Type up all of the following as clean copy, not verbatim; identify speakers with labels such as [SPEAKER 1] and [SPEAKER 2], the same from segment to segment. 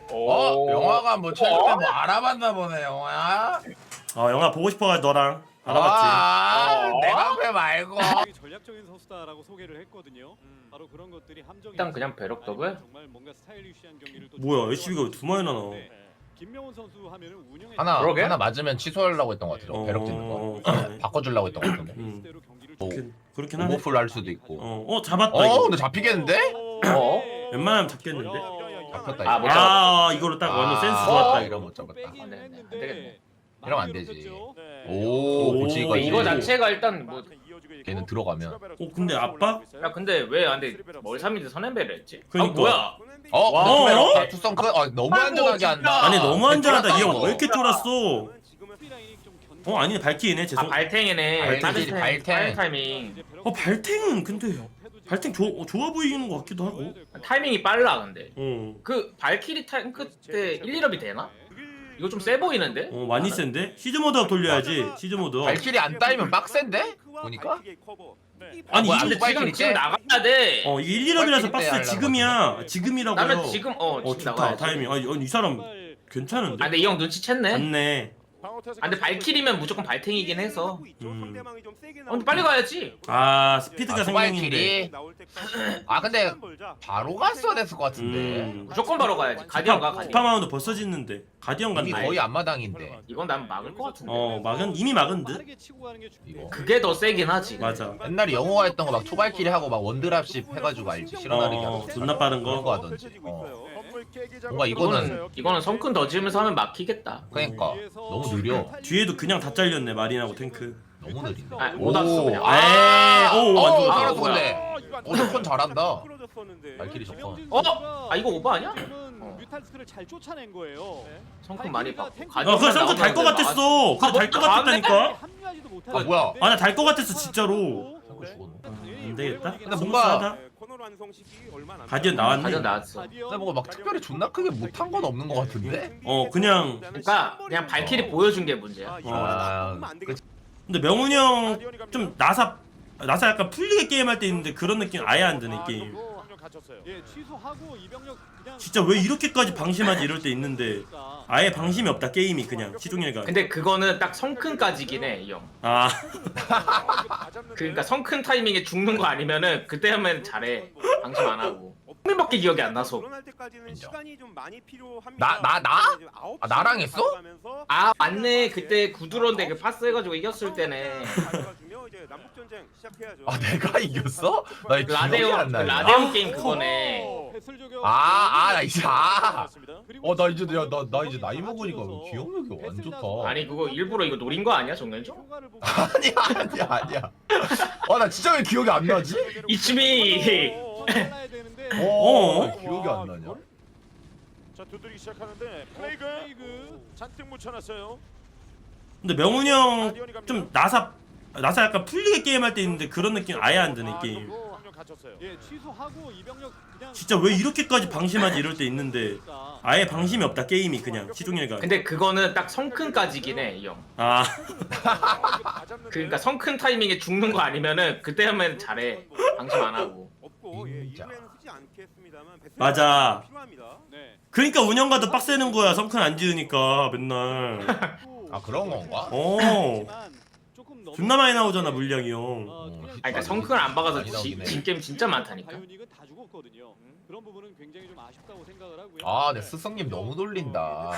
[SPEAKER 1] 영화가 뭐 최근에 뭐 알아봤나 보네 영화야.
[SPEAKER 2] 영화 보고 싶어가지고 너랑 알아봤지.
[SPEAKER 1] 내 방패 말고.
[SPEAKER 3] 전략적인 선수다라고 소개를 했거든요. 바로 그런 것들이 함정이
[SPEAKER 4] 일단 그냥 배럭 더블?
[SPEAKER 3] 정말 뭔가 스타일리시한 경기를 또
[SPEAKER 2] 뭐야 HB가 왜 두 마리나 나와?
[SPEAKER 3] 김명훈 선수 하면은 운영에
[SPEAKER 1] 하나 맞으면 취소하려고 했던 것 같아. 배럭 찍는 거.
[SPEAKER 2] 그러네.
[SPEAKER 1] 바꿔주려고 했던 것 같은데.
[SPEAKER 3] 페이스대로 경기를
[SPEAKER 1] 뭐,
[SPEAKER 2] 그렇긴 하네.
[SPEAKER 1] 오버풀 할 수도 있고.
[SPEAKER 2] 잡았다 이거.
[SPEAKER 1] 근데 잡히겠는데?
[SPEAKER 2] 웬만하면 잡겠는데?
[SPEAKER 1] 잡혔다.
[SPEAKER 4] 아,
[SPEAKER 1] 이거.
[SPEAKER 4] 못 잡았다.
[SPEAKER 2] 이거로 딱 완전 센스
[SPEAKER 1] 좋았다
[SPEAKER 2] 좋았다.
[SPEAKER 1] 이러면 못 잡았다.
[SPEAKER 3] 빼기는
[SPEAKER 4] 네, 네.
[SPEAKER 3] 했는데
[SPEAKER 4] 안 되겠네.
[SPEAKER 1] 이러면 안 되지.
[SPEAKER 2] 오,
[SPEAKER 1] 뭐지 이거?
[SPEAKER 4] 이거 자체가 일단 뭐.
[SPEAKER 1] 걔는 들어가면.
[SPEAKER 2] 근데 압박?
[SPEAKER 4] 야 근데 왜 안돼 멀삼인데 선앤배를 했지?
[SPEAKER 2] 그러니까.
[SPEAKER 4] 뭐야?
[SPEAKER 1] 근데 투성크 너무 안전하게 한다.
[SPEAKER 2] 아니 너무 안전하다. 이 형
[SPEAKER 1] 이거.
[SPEAKER 2] 왜 이렇게 쫄았어? 아니네 발키이네 죄송.
[SPEAKER 4] 발탱이네.
[SPEAKER 1] 발탱이지, 발탱.
[SPEAKER 4] 빠른 타이밍.
[SPEAKER 2] 발탱은 근데 발탱 좋아 보이는 것 같기도 하고.
[SPEAKER 4] 타이밍이 빨라 근데.
[SPEAKER 2] 어.
[SPEAKER 4] 그 발키리 탱크 때 1, 2럽이 되나? 이거 좀 세 보이는데?
[SPEAKER 2] 많이 센데? 시즈 모드 돌려야지. 시즈 모드.
[SPEAKER 1] 발길이 안 따이면 빡센데? 보니까?
[SPEAKER 2] 아니
[SPEAKER 1] 뭐야,
[SPEAKER 2] 이거
[SPEAKER 4] 지금 나가야 돼.
[SPEAKER 2] 이게 1, 2럽이라서
[SPEAKER 1] 발키리 때
[SPEAKER 2] 박스 지금이야. 지금이라고요.
[SPEAKER 4] 나는 지금 지금
[SPEAKER 2] 좋다
[SPEAKER 4] 나가야지.
[SPEAKER 2] 타이밍. 아니 이 사람 괜찮은데?
[SPEAKER 4] 아 근데 이 형 눈치챘네.
[SPEAKER 2] 맞네.
[SPEAKER 4] 아 근데 발키리면 무조건 발탱이긴 해서. 근데 빨리 가야지.
[SPEAKER 2] 스피드가 생명인데.
[SPEAKER 1] 발길이. 근데 바로 갔어야 됐을 것 같은데.
[SPEAKER 4] 무조건 바로 가야지. 가디언 가 가디언.
[SPEAKER 2] 스파마운드 벌써 짓는데 가디언
[SPEAKER 1] 이미
[SPEAKER 2] 간다.
[SPEAKER 1] 거의 앞마당인데.
[SPEAKER 4] 이건 난 막을 것 같은데.
[SPEAKER 2] 이미 막은 듯.
[SPEAKER 1] 이거.
[SPEAKER 4] 그게 더 세긴 하지.
[SPEAKER 2] 맞아.
[SPEAKER 1] 옛날에 영호가 했던 거 막 투발길이 하고 막 원드랍십 해가지고 알지? 실어나르기 하고.
[SPEAKER 2] 존나 빠른
[SPEAKER 1] 그런 거
[SPEAKER 2] 거.
[SPEAKER 1] 하던지. 뭔가 이거는
[SPEAKER 4] 이거는 성큰 더 지으면서 하면 막히겠다.
[SPEAKER 1] 그러니까 너무 느려.
[SPEAKER 2] 뒤에도 그냥 다 잘렸네 마린하고 탱크.
[SPEAKER 1] 너무 느린다.
[SPEAKER 4] 못 왔어 그냥.
[SPEAKER 2] 완전
[SPEAKER 1] 알았어
[SPEAKER 4] 뭐야.
[SPEAKER 1] 근데. 저건 잘한다. 발길이 좋고.
[SPEAKER 4] 이거 오버 아니야?
[SPEAKER 3] 뮤탈스크를 잘 쫓아낸 거예요.
[SPEAKER 4] 성큰 많이 받고.
[SPEAKER 2] 그래 성크 달거 같았어. 그래 달거 같았다니까.
[SPEAKER 3] 합류하지도
[SPEAKER 1] 아
[SPEAKER 3] 못하고
[SPEAKER 1] 뭐야?
[SPEAKER 2] 나 달 거 같았어 진짜로.
[SPEAKER 1] 성크 죽었네.
[SPEAKER 2] 안 되겠다.
[SPEAKER 1] 근데 뭔가
[SPEAKER 2] 가디언 나왔네.
[SPEAKER 4] 가디언 나왔어.
[SPEAKER 1] 근데 뭔가 막 특별히 존나 크게 못한 건 없는 것 같은데?
[SPEAKER 2] 그냥.
[SPEAKER 4] 그러니까 그냥 발키리 보여준 게 문제야.
[SPEAKER 1] 그치.
[SPEAKER 2] 근데 명훈이 형 좀 나사 약간 풀리게 게임할 때 있는데 그런 느낌 아예 안 드는 게임.
[SPEAKER 3] 예, 취소하고 이병력 그냥
[SPEAKER 2] 진짜 왜 이렇게까지 방심하지 이럴 때 있는데 아예 방심이 없다 게임이 그냥 시종일관.
[SPEAKER 4] 근데 그거는 딱 성큰까지긴 해, 이 형. 그러니까 성큰 타이밍에 죽는 거 아니면은 그때 하면 잘해. 방심 안 하고. 흥민밖에 기억이 안 나서.
[SPEAKER 1] 나랑 했어?
[SPEAKER 4] 맞네. 그때 구두론데 그 파스 해가지고 이겼을 때네.
[SPEAKER 1] 내가 이겼어? 나 이거 기억이 안 나네.
[SPEAKER 4] 라데온 게임 그거네.
[SPEAKER 1] 나 이제 나 이제 나 이제 나이 먹으니까 기억력이 완 좋다.
[SPEAKER 4] 아니 그거 일부러 이거 노린 거 아니야, 정현종?
[SPEAKER 1] 아니야. 나 진짜 왜 기억이 안 나지?
[SPEAKER 4] 이치미.
[SPEAKER 1] 기억이 안 나냐?
[SPEAKER 5] 자 두드리기 시작하는데 플레이그 잔뜩 묻혀놨어요.
[SPEAKER 2] 근데 명훈이 형 좀 나사 약간 풀리게 게임할 때 있는데 그런 느낌 아예 안 드는 게임.
[SPEAKER 3] 예, 취소하고 이병력 그냥
[SPEAKER 2] 진짜 왜 이렇게까지 방심하지 이럴 때 있는데 아예 방심이 없다 게임이 그냥 시종일관.
[SPEAKER 4] 근데 그거는 딱 성큰까지긴 해, 이 형. 그러니까 성큰 타이밍에 죽는 거 아니면은 그때 하면 잘해. 방심 안 하고.
[SPEAKER 2] 맞아.
[SPEAKER 3] 네.
[SPEAKER 2] 그러니까 운영가도 빡세는 거야 성큰 안 지으니까 맨날.
[SPEAKER 1] 그런 건가?
[SPEAKER 2] 존나 많이 나오잖아 물량이 형.
[SPEAKER 4] 그러니까 성큰을 안 박아서
[SPEAKER 1] 많이 나오긴 해.
[SPEAKER 4] 진 게임 진짜 많다니까.
[SPEAKER 3] 바이오닉은 다 죽었거든요. 그런 부분은 굉장히 좀 아쉽다고 생각을 하고요.
[SPEAKER 1] 내 스승님 너무 돌린다.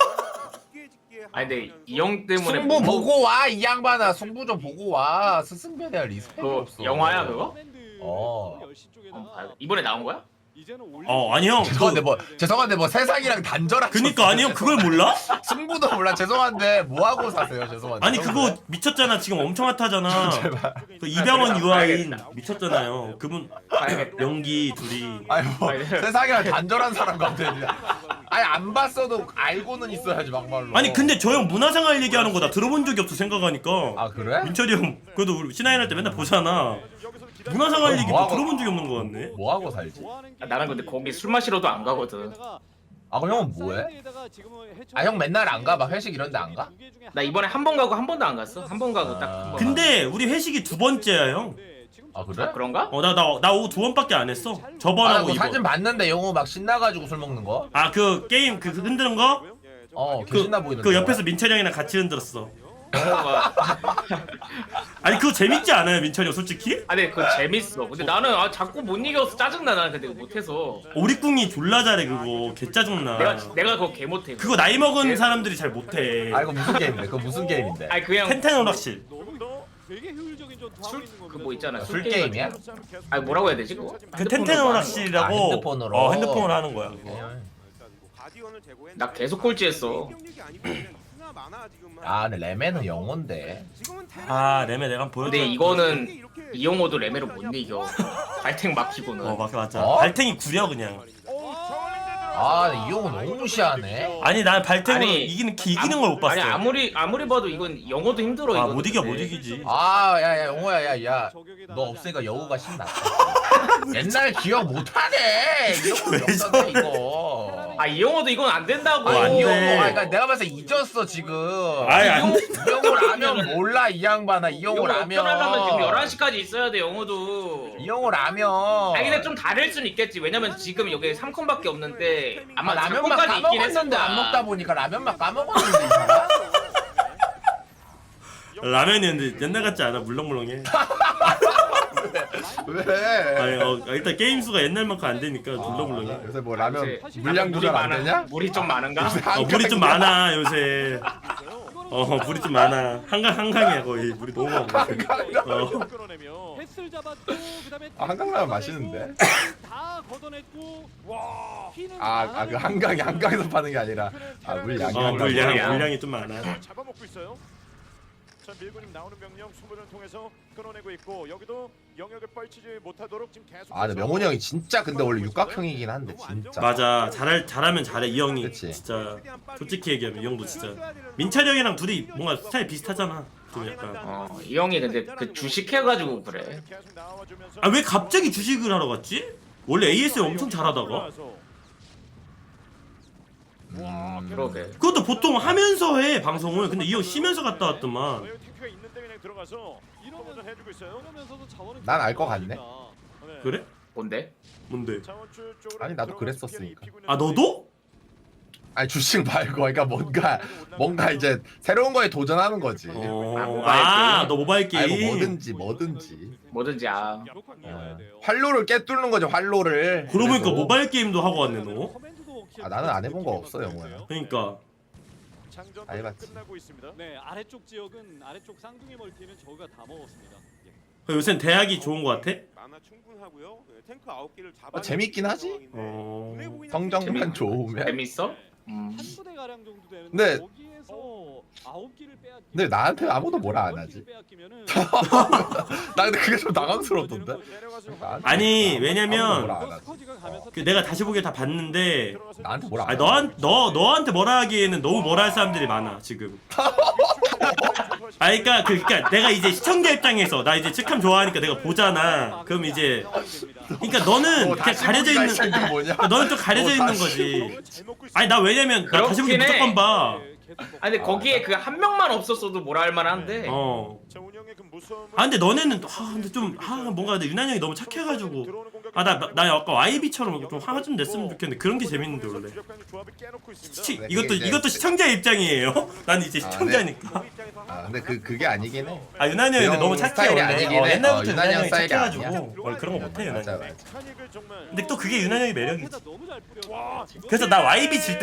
[SPEAKER 4] 근데 이 형 때문에
[SPEAKER 1] 승부 보고 와 이 양반아. 승부 좀 보고 와. 스승배에 대한 리스펙이
[SPEAKER 4] 그거
[SPEAKER 1] 없어.
[SPEAKER 4] 영화야 그거? 이번에 나온 거야?
[SPEAKER 2] 아니 형.
[SPEAKER 1] 죄송한데 뭐 세상이랑 단절한.
[SPEAKER 2] 그니까 아니 형 그걸 몰라?
[SPEAKER 1] 승부도 몰라. 죄송한데 뭐 하고 사세요? 죄송한데.
[SPEAKER 2] 아니 그거 미쳤잖아 지금 엄청 핫하잖아. 그 이병헌 유아인 미쳤잖아요. 그분 연기 둘이.
[SPEAKER 1] 세상이랑 단절한 사람 같아. 안 봤어도 알고는 있어야지 막말로.
[SPEAKER 2] 아니 근데 저 형 문화생활 얘기하는 거 나 들어본 적이 없어 생각하니까.
[SPEAKER 1] 그래?
[SPEAKER 2] 민철이 형 그래도 우리 신하인 할 때 맨날 보잖아. 문화생활 얘기 뭐 들어본 적이 없는 거 같네.
[SPEAKER 1] 뭐 하고 살지?
[SPEAKER 4] 나는 근데 거기 술 마시러도 안 가거든.
[SPEAKER 1] 그럼 형은 뭐해? 형 맨날 안 가? 막 회식 이런 데 안 가?
[SPEAKER 4] 나 이번에 한 번 가고 한 번도 안 갔어. 한 번 가고 딱 한 번.
[SPEAKER 2] 근데 우리 회식이 두 번째야 형.
[SPEAKER 1] 아 그래?
[SPEAKER 4] 그런가?
[SPEAKER 2] 나 오후 2번밖에 안 했어.
[SPEAKER 1] 아, 나
[SPEAKER 2] 저번하고
[SPEAKER 1] 그거 사진
[SPEAKER 2] 이번.
[SPEAKER 1] 봤는데 영호 막 신나가지고 술 먹는 거?
[SPEAKER 2] 아 그 게임 그 흔드는 거?
[SPEAKER 1] 개 신나 보이는데.
[SPEAKER 2] 그 옆에서 민철이 형이랑 같이 흔들었어.
[SPEAKER 4] 영호가
[SPEAKER 2] 아니 그거 재밌지 않아요 민철이 형 솔직히?
[SPEAKER 4] 아니 그거 재밌어. 근데 나는 자꾸 못 이겨서 짜증나. 나는 근데 못해서.
[SPEAKER 2] 오리꿍이 졸라 잘해 그거 개 짜증나.
[SPEAKER 4] 내가 그거 개 못해.
[SPEAKER 2] 그거 나이 먹은 사람들이 잘 못해.
[SPEAKER 1] 아 이거 무슨 게임인데? 그거 무슨 게임인데?
[SPEAKER 4] 아니 그냥
[SPEAKER 2] 텐텐 오락실.
[SPEAKER 3] 되게 효율적인 전투 하고 있는 겁니다.
[SPEAKER 4] 그 뭐 있잖아.
[SPEAKER 1] 술 게임이야?
[SPEAKER 4] 아니 뭐라고 해야 되지 그거?
[SPEAKER 2] 그 텐텐 오락실이라고.
[SPEAKER 1] 아, 핸드폰으로?
[SPEAKER 2] 핸드폰으로 하는 거야 그거.
[SPEAKER 4] 나 계속 꼴찌했어.
[SPEAKER 1] 아 근데 레메는 영호인데.
[SPEAKER 2] 아 레메 내가 한번 보여줘.
[SPEAKER 4] 근데 이거는 이용호도 레메로 못 이겨. 발탱 막히고는.
[SPEAKER 2] 맞아.
[SPEAKER 1] 어?
[SPEAKER 2] 발탱이 구려 그냥.
[SPEAKER 1] 아 이 영호 너무 무시하네.
[SPEAKER 2] 아니 난 발탱으로
[SPEAKER 4] 아니,
[SPEAKER 2] 이기는 걸 못 봤어.
[SPEAKER 4] 아니 아무리 봐도 이건 영호도 힘들어.
[SPEAKER 2] 아
[SPEAKER 4] 이거는.
[SPEAKER 2] 못 이겨 못
[SPEAKER 4] 근데.
[SPEAKER 2] 이기지.
[SPEAKER 1] 아 야야 영호야 야야. 너 없으니까 여우가 신나. 옛날 기억 못하네. 이런 거 없었네 이거.
[SPEAKER 4] 아 이용호도 이건 안 된다고.
[SPEAKER 2] 안
[SPEAKER 1] 이
[SPEAKER 2] 돼.
[SPEAKER 1] 영호 그러니까 내가 봤을 때 잊었어 지금.
[SPEAKER 2] 아니 안 돼.
[SPEAKER 1] 이 영호 라면 몰라 이 양반아. 이 영호 라면.
[SPEAKER 4] 하려면 지금 11시까지 있어야 돼 영호도.
[SPEAKER 1] 이 영호 라면.
[SPEAKER 4] 아니 근데 좀 다를 순 있겠지. 왜냐면 지금 여기 3콘밖에 없는데 아마
[SPEAKER 1] 라면만
[SPEAKER 4] 3콘까지 있긴
[SPEAKER 1] 까먹었는데
[SPEAKER 4] 했었는데
[SPEAKER 1] 안 먹다 보니까 라면만 까먹었는데 이 사람?
[SPEAKER 2] 라면이었는데 옛날 같지 않아 물렁물렁해.
[SPEAKER 1] 왜?
[SPEAKER 2] 아니 일단 게임 수가 옛날만큼 안 되니까 물렁물렁해.
[SPEAKER 1] 요새 뭐 라면
[SPEAKER 4] 요새
[SPEAKER 1] 물량 조절 안 되냐?
[SPEAKER 4] 물이 좀 많은가?
[SPEAKER 2] 물이 좀 많아 요새. 물이 좀 많아. 한강이야 거의. 물이 너무 많아.
[SPEAKER 3] 햇을 잡았고 그다음에
[SPEAKER 1] 아, 한강라면 맛있는데?
[SPEAKER 3] 다 걷어냈고
[SPEAKER 5] 와.
[SPEAKER 3] 피는
[SPEAKER 1] 그 한강에서 파는 게 아니라 물량이
[SPEAKER 2] 물량이 좀 많아.
[SPEAKER 5] 잡아먹고 있어요. 자 밀고 지금 나오는 병력 수문을 통해서 끊어내고 있고 여기도 영역을 뻘치지 못하도록 지금 계속.
[SPEAKER 1] 근데 명훈이 형이 진짜 근데 원래 육각형이긴 한데 진짜.
[SPEAKER 2] 맞아. 잘하면 잘해 이 형이.
[SPEAKER 1] 그치.
[SPEAKER 2] 진짜 솔직히 얘기하면 이 형도 진짜 민철이 형이랑 둘이 뭔가 스타일 비슷하잖아. 좀 약간.
[SPEAKER 4] 이 형이 근데 그 주식해가지고 그래.
[SPEAKER 5] 계속 나와주면서
[SPEAKER 2] 아 왜 갑자기 주식을 하러 갔지? 원래 ASL 엄청 잘하다가.
[SPEAKER 4] 그러게.
[SPEAKER 2] 그것도 보통 하면서 해 방송을. 근데 이 형 쉬면서 갔다 왔더만.
[SPEAKER 5] 탱크가 있는데 그냥 들어가서 이러면 해주고 있어요.
[SPEAKER 3] 이러면서도 자원은
[SPEAKER 1] 난 알 것 같네.
[SPEAKER 2] 그래?
[SPEAKER 4] 뭔데?
[SPEAKER 2] 뭔데?
[SPEAKER 5] 자원줄 쪽으로
[SPEAKER 1] 아니, 나도
[SPEAKER 5] 들어가서
[SPEAKER 1] 그랬었으니까.
[SPEAKER 5] 입히고 있는
[SPEAKER 2] 아 너도?
[SPEAKER 1] 아니 주식 말고 그러니까 뭔가 이제 새로운 거에 도전하는 거지.
[SPEAKER 2] 너 모바일 게임.
[SPEAKER 1] 아니 뭐든지.
[SPEAKER 4] 뭐든지
[SPEAKER 1] 활로를 깨뚫는 거죠 활로를.
[SPEAKER 2] 그러고 보니까
[SPEAKER 1] 그래도.
[SPEAKER 2] 모바일 게임도 하고 왔네 너.
[SPEAKER 1] 나는 안 해본 거 없어 영호야.
[SPEAKER 2] 그러니까.
[SPEAKER 5] 장전
[SPEAKER 1] 안 해봤지.
[SPEAKER 5] 끝나고 있습니다.
[SPEAKER 3] 네 아래쪽 지역은 아래쪽 쌍둥이 멀티는 저희가 다 먹었습니다.
[SPEAKER 2] 요새는 대학이 좋은 거 같아?
[SPEAKER 6] 많아 충분하고요. 탱크 9개를 잡아.
[SPEAKER 1] 재밌긴 하지? 성적만 좋으면.
[SPEAKER 4] 재밌어?
[SPEAKER 3] 한 부대 가량 정도 되는데
[SPEAKER 1] 네.
[SPEAKER 3] 거기에서 9기를 빼앗기.
[SPEAKER 1] 근데 나한테 아무도 뭐라 안 하지. 나 근데 그게 좀 당황스럽던데.
[SPEAKER 2] 아니
[SPEAKER 1] 아무도
[SPEAKER 2] 왜냐면
[SPEAKER 1] 뭐라 안 하지.
[SPEAKER 2] 그 내가 다시 보기에 다 봤는데
[SPEAKER 1] 나한테 뭐라 안
[SPEAKER 2] 아니
[SPEAKER 1] 하지.
[SPEAKER 2] 너한테 뭐라 하기에는 너무 뭐라 할 사람들이 많아 지금. 그러니까 내가 이제 시청자 입장에서 나 이제 직함 좋아하니까 내가 보잖아. 그럼 이제 그러니까 너는 그냥 가려져 있는
[SPEAKER 1] 뭐냐?
[SPEAKER 2] 너는 좀 가려져 있는 거지. 아니 나 왜냐면 나 다시 보기
[SPEAKER 4] 그렇긴 해.
[SPEAKER 2] 무조건 봐.
[SPEAKER 4] 아니 근데 거기에 그 한 명만 없었어도 뭐라 할 만한데.
[SPEAKER 2] 근데 너네는 근데 좀 뭔가 근데 유난 형이 너무 착해가지고 나 약간 YB처럼 좀 화가 좀 냈으면 좋겠는데 그런 게 재밌는데 원래. 이것도 시청자 입장이에요. 난 이제 시청자니까.
[SPEAKER 1] 근데 그게 아니긴 해.
[SPEAKER 2] 유난 형이 근데 너무 착해
[SPEAKER 1] 스타일이
[SPEAKER 2] 원래.
[SPEAKER 1] 아니긴 해.
[SPEAKER 2] 옛날부터
[SPEAKER 1] 유난
[SPEAKER 2] 유난
[SPEAKER 1] 형
[SPEAKER 2] 형이
[SPEAKER 1] 스타일이
[SPEAKER 2] 착해가지고
[SPEAKER 1] 아니야.
[SPEAKER 2] 원래 그런 거 못해 유난
[SPEAKER 1] 맞아
[SPEAKER 2] 형.
[SPEAKER 1] 맞아.
[SPEAKER 2] 근데 또 그게 유난 형의 매력이지.
[SPEAKER 3] 너무 잘 뿌려.
[SPEAKER 2] 그래서 나 YB 질